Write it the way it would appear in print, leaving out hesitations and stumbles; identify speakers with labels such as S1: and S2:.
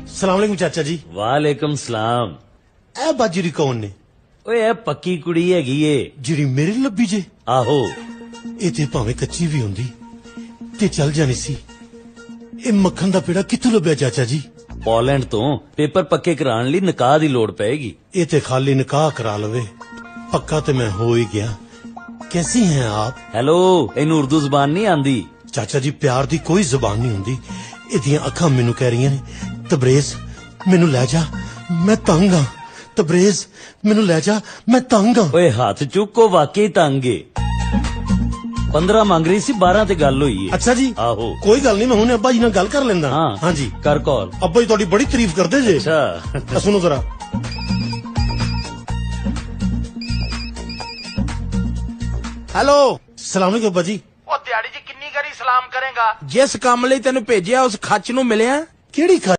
S1: ਸਲਾਮੁਅਲੈਕੁਮ ਚਾਚਾ ਜੀ।
S2: ਵਾਲੇਕਮ ਸਲਾਮ।
S1: ਇਹ ਬਾਜਰੀ ਕੌਣ ਨੇ?
S2: ਓਏ ਇਹ ਪੱਕੀ ਕੁੜੀ ਹੈਗੀ ਏ।
S1: ਜਿਹੜੀ ਮੇਰੇ ਲਈ ਲੱਭੀ ਜੇ?
S2: ਆਹੋ।
S1: ਇਹ ਤੇ ਭਾਵੇਂ ਕੱਚੀ ਵੀ ਹੁੰਦੀ ਤੇ ਚੱਲ ਜਾਣੀ ਸੀ। ਇਹ ਮੱਖਣ ਦਾ ਪੇੜਾ ਕਿੱਥੋਂ ਲੱਭਿਆ ਚਾਚਾ ਜੀ?
S2: ਪੋਲੈਂਡ ਤੋਂ ਪੇਪਰ ਪੱਕੇ ਕਰਾਉਣ ਲਈ ਨਿਕਾਹ ਦੀ ਲੋੜ ਪਏਗੀ।
S1: ਇਹ ਤੇ ਖਾਲੀ ਨਿਕਾਹ ਕਰਾ ਲਵੇ, ਪੱਕਾ ਤੇ ਮੈਂ ਹੋ ਹੀ ਗਿਆ। ਕੈਸੀ हैं आप?
S2: ਹੈਲੋ, ਇਹਨੂੰ ਉਰਦੂ ਜ਼ਬਾਨ ਨਹੀਂ ਆਂਦੀ।
S1: ਚਾਚਾ ਜੀ ਪਿਆਰ ਦੀ ਕੋਈ ਜ਼ੁਬਾਨ ਨਹੀਂ ਹੁੰਦੀ। ਇਹਦੀਆਂ ਅੱਖਾਂ ਮੈਨੂੰ ਕਹਿ ਰਹੀਆਂ ਨੇ ਤਬਰੇਜ਼ ਮੈਨੂੰ ਲੈ ਜਾ, ਮੈਂ ਤੰਗ ਆ। ਤਬਰੇਜ਼ ਮੈਨੂੰ ਲੈ ਜਾ, ਮੈਂ ਤੰਗ ਆ।
S2: ਓਏ ਹੱਥ ਚੁੱਕੋ, ਵਾਕਈ ਤੰਗ ਏ। 15 ਮੰਗ ਰਹੀ ਸੀ, 12 ਤੇ ਗੱਲ ਹੋਈ ਏ।
S1: ਅੱਛਾ ਜੀ,
S2: ਆਹੋ।
S1: ਕੋਈ ਗੱਲ ਨਹੀਂ, ਮੈਂ ਹੁਣੇ ਅੱਬਾ ਜੀ ਨਾਲ ਗੱਲ ਕਰ ਲੈਂਦਾ।
S2: ਹਾਂ
S1: ਹਾਂਜੀ
S2: ਕਰ ਕਾਲ।
S1: ਅੱਬਾ ਜੀ ਤੁਹਾਡੀ ਬੜੀ ਤਾਰੀਫ ਕਰਦੇ ਜੇ।
S2: ਅੱਛਾ
S1: ਸੁਣੋ ਜ਼ਰਾ।
S3: ਹੈਲੋ।
S1: ਸਲਾਮੁਅਲੈਕੁਮ ਅੱਬਾ ਜੀ।
S3: ਉਹ ਦਿਹਾੜੀ 'ਚ ਕਿੰਨੀ ਵਾਰੀ ਸਲਾਮ ਕਰੇਗਾ? ਜਿਸ ਕੰਮ ਲਈ ਤੈਨੂੰ ਭੇਜਿਆ ਉਸ ਖੱਚ ਨੂੰ ਮਿਲਿਆ?
S1: ਕਿਹੜੀ